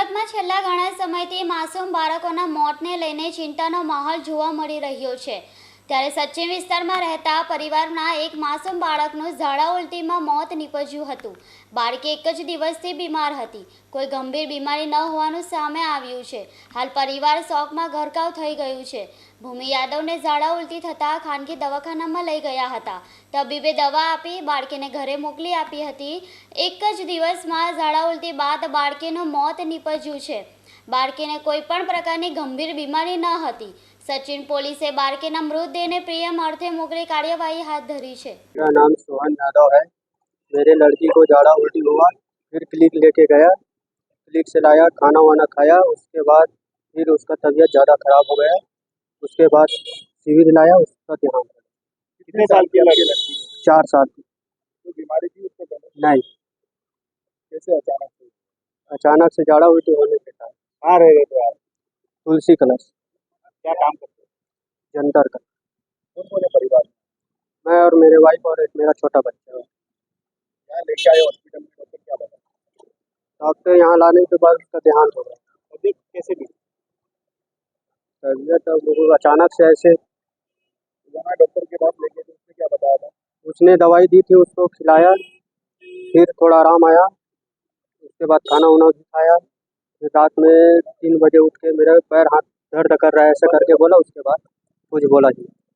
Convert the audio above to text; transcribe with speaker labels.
Speaker 1: સુરતમાં છેલ્લા ઘણા સમયથી માસૂમ બાળકોના મોતને લઈને ચિંતાનો માહોલ જોવા મળી રહ્યો છે। ત્યારે સચિન વિસ્તારમાં રહેતા પરિવારના એક માસૂમ બાળકનું ઝાડા ઉલટીમાં મોત નીપજ્યું હતું। બાળકી એક જ દિવસથી બીમાર હતી। કોઈ ગંભીર બીમારી ન હોવાનું સામે આવ્યું છે। હાલ પરિવાર શોકમાં ગરકાવ થઈ ગયું છે। ભૂમિ યાદવને ઝાડા ઉલટી થતાં ખાનગી દવાખાનામાં લઈ ગયા હતા। તબીબે દવા આપી બાળકીને ઘરે મોકલી આપી હતી। એક જ દિવસમાં ઝાડા ઉલટી બાદ બાળકીનું મોત નીપજ્યું છે। બાળકીને કોઈ પણ પ્રકારની ગંભીર બીમારી ન હતી। सचिन पुलिस बाळकीना मृतदेह पीएम अर्थे मोकली कार्यवाही हाथ धरी है।
Speaker 2: मेरा नाम सोहन यादव है। मेरे लड़की को झाड़ा उल्टी हुआ, फिर क्लिनिक लेके गया, क्लिनिक से लाया, खाना वाना खाया, उसके बाद फिर उसका तबीयत ज़्यादा खराब हो गया। उसके बाद सिविल लाया, उसका देहांत हो गया।
Speaker 3: कितने साल की लड़की है?
Speaker 2: 4 साल की।
Speaker 3: कोई बीमारी थी उसको पहले?
Speaker 2: नहीं,
Speaker 3: कैसे अचानक से?
Speaker 2: अचानक से झाड़ा उल्टी होने के कारण।
Speaker 3: कहाँ रह रहे थे आप?
Speaker 2: तुलसी कलश
Speaker 3: क्या काम करते
Speaker 2: जंतर का।
Speaker 3: कौन कौन है परिवार में?
Speaker 2: मैं और मेरे वाइफ और एक मेरा छोटा बच्चा है।
Speaker 3: यहाँ लेके आए हॉस्पिटल में, डॉक्टर क्या बता?
Speaker 2: डॉक्टर यहाँ लाने के बाद उसका देहांत हो गया।
Speaker 3: तबीयत कैसे भी?
Speaker 2: तबीयत अब वो अचानक से ऐसे
Speaker 3: वहाँ डॉक्टर के पास लेके तो उसने क्या बताया था?
Speaker 2: उसने दवाई दी थी, उसको खिलाया, फिर थोड़ा आराम आया। उसके बाद खाना वाना भी खाया। फिर रात में 3 बजे उठ के मेरा पैर हाथ दर्द कर रहा है ऐसा करके बोला। उसके बाद कुछ बोला जी।